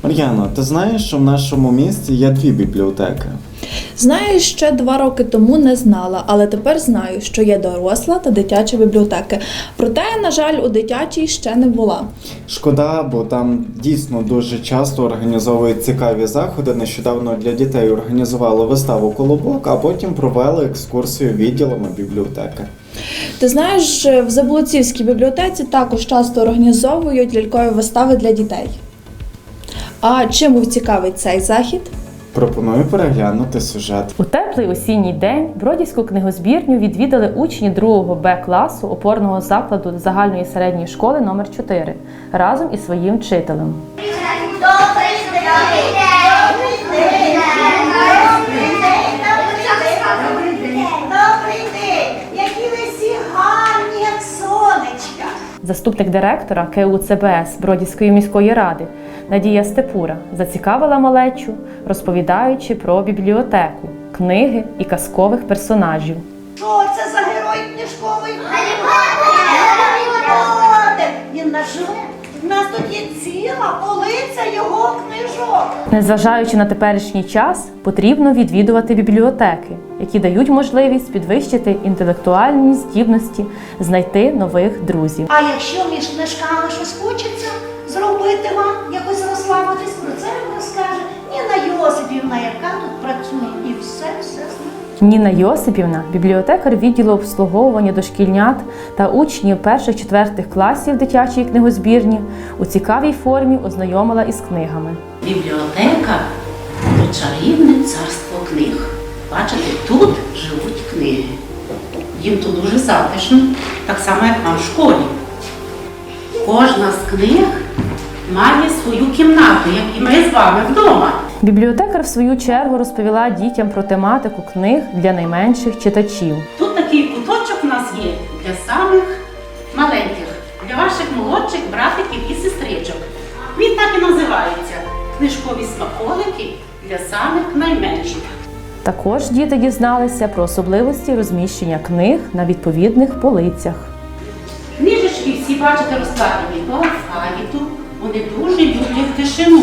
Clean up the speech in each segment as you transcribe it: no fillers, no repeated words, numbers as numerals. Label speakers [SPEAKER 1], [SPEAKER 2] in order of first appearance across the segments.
[SPEAKER 1] Мар'яно, ти знаєш, що в нашому місті є 2 бібліотеки?
[SPEAKER 2] Знаю, ще 2 роки тому не знала, але тепер знаю, що є доросла та дитяча бібліотеки. Проте, на жаль, у дитячій ще не була.
[SPEAKER 1] Шкода, бо там дійсно дуже часто організовують цікаві заходи. Нещодавно для дітей організували виставу «Колобок», а потім провели екскурсію відділами бібліотеки.
[SPEAKER 2] Ти знаєш, в Заблоцівській бібліотеці також часто організовують лялькові вистави для дітей. А чим був цікавий цей захід?
[SPEAKER 1] Пропоную переглянути сюжет.
[SPEAKER 3] У теплий осінній день Бродівську книгозбірню відвідали учні 2 Б класу опорного закладу загальної середньої школи номер 4 разом із своїм вчителем. Заступник директора КУ ЦБС Бродівської міської ради Надія Степура зацікавила малечу, розповідаючи про бібліотеку, книги і казкових персонажів.
[SPEAKER 4] Що це за герой книжковий? Гаррі Поттер! Він наш живе. У нас тут є ціла полиця його книжок.
[SPEAKER 3] Незважаючи на теперішній час, потрібно відвідувати бібліотеки, які дають можливість підвищити інтелектуальні здібності, знайти нових друзів.
[SPEAKER 4] А якщо між книжками щось хочеться зробити вам, якось розслабитись, про це вам розкаже Ніна Йосипівна, яка тут працює. І все знає.
[SPEAKER 3] Ніна Йосипівна, бібліотекар відділу обслуговування дошкільнят та учнів 1-4 класів дитячої книгозбірні, у цікавій формі ознайомила із книгами.
[SPEAKER 5] Бібліотека – це чарівне царство книг. Бачите, тут живуть книги. Їм тут дуже затишно, так само, як нам в школі. Кожна з книг має свою кімнату, як і ми з вами вдома.
[SPEAKER 3] Бібліотекар, в свою чергу, розповіла дітям про тематику книг для найменших читачів.
[SPEAKER 5] Тут такий куточок у нас є для самих маленьких, для ваших молодших братиків і сестричок. Він так і називається – книжкові смаколики для самих найменших.
[SPEAKER 3] Також діти дізналися про особливості розміщення книг на відповідних полицях.
[SPEAKER 5] Книжечки всі, бачите, розкладені по алфавіту. Вони дуже люблять тишину.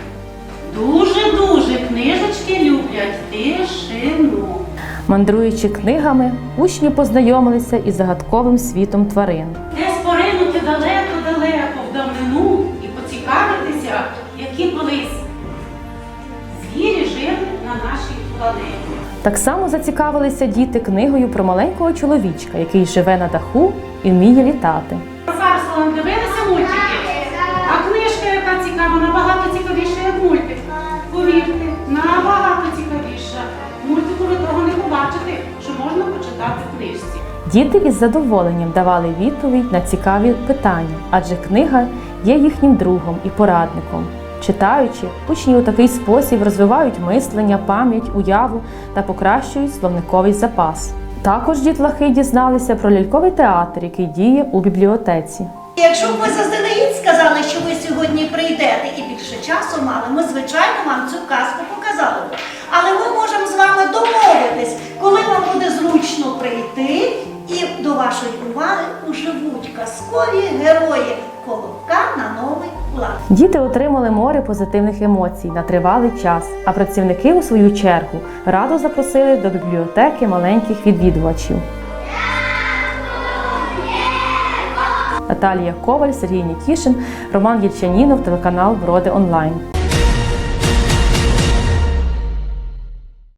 [SPEAKER 5] Дуже книжечки люблять тишину.
[SPEAKER 3] Мандруючи книгами, учні познайомилися із загадковим світом тварин.
[SPEAKER 5] Десь поринути далеко в давнину і поцікавитися, які колись звірі жили на нашій планеті.
[SPEAKER 3] Так само зацікавилися діти книгою про маленького чоловічка, який живе на даху і вміє літати.
[SPEAKER 5] Зараз вам дивилися мультики, а книжка, яка цікава, набагато цікавіша, як мультик. Повірте, набагато цікавіша. Мультику ви того не побачите, що можна почитати в книжці.
[SPEAKER 3] Діти із задоволенням давали відповідь на цікаві питання, адже книга є їхнім другом і порадником. Читаючи, учні у такий спосіб розвивають мислення, пам'ять, уяву та покращують словниковий запас. Також дітлахи дізналися про ляльковий театр, який діє у бібліотеці.
[SPEAKER 4] Якщо б ви заздалегідь сказали, що ви сьогодні прийдете і більше часу мали, ми, звичайно, вам цю казку показали б. Але ми можемо з вами домовитись, коли вам буде зручно прийти, і до вашої уваги уживуть казкові герої Колобка на новий лад.
[SPEAKER 3] Діти отримали море позитивних емоцій на тривалий час, а працівники, у свою чергу, радо запросили до бібліотеки маленьких відвідувачів. Наталія Коваль, Сергій Нікішин, Роман Єльчанінов, телеканал Броди Онлайн.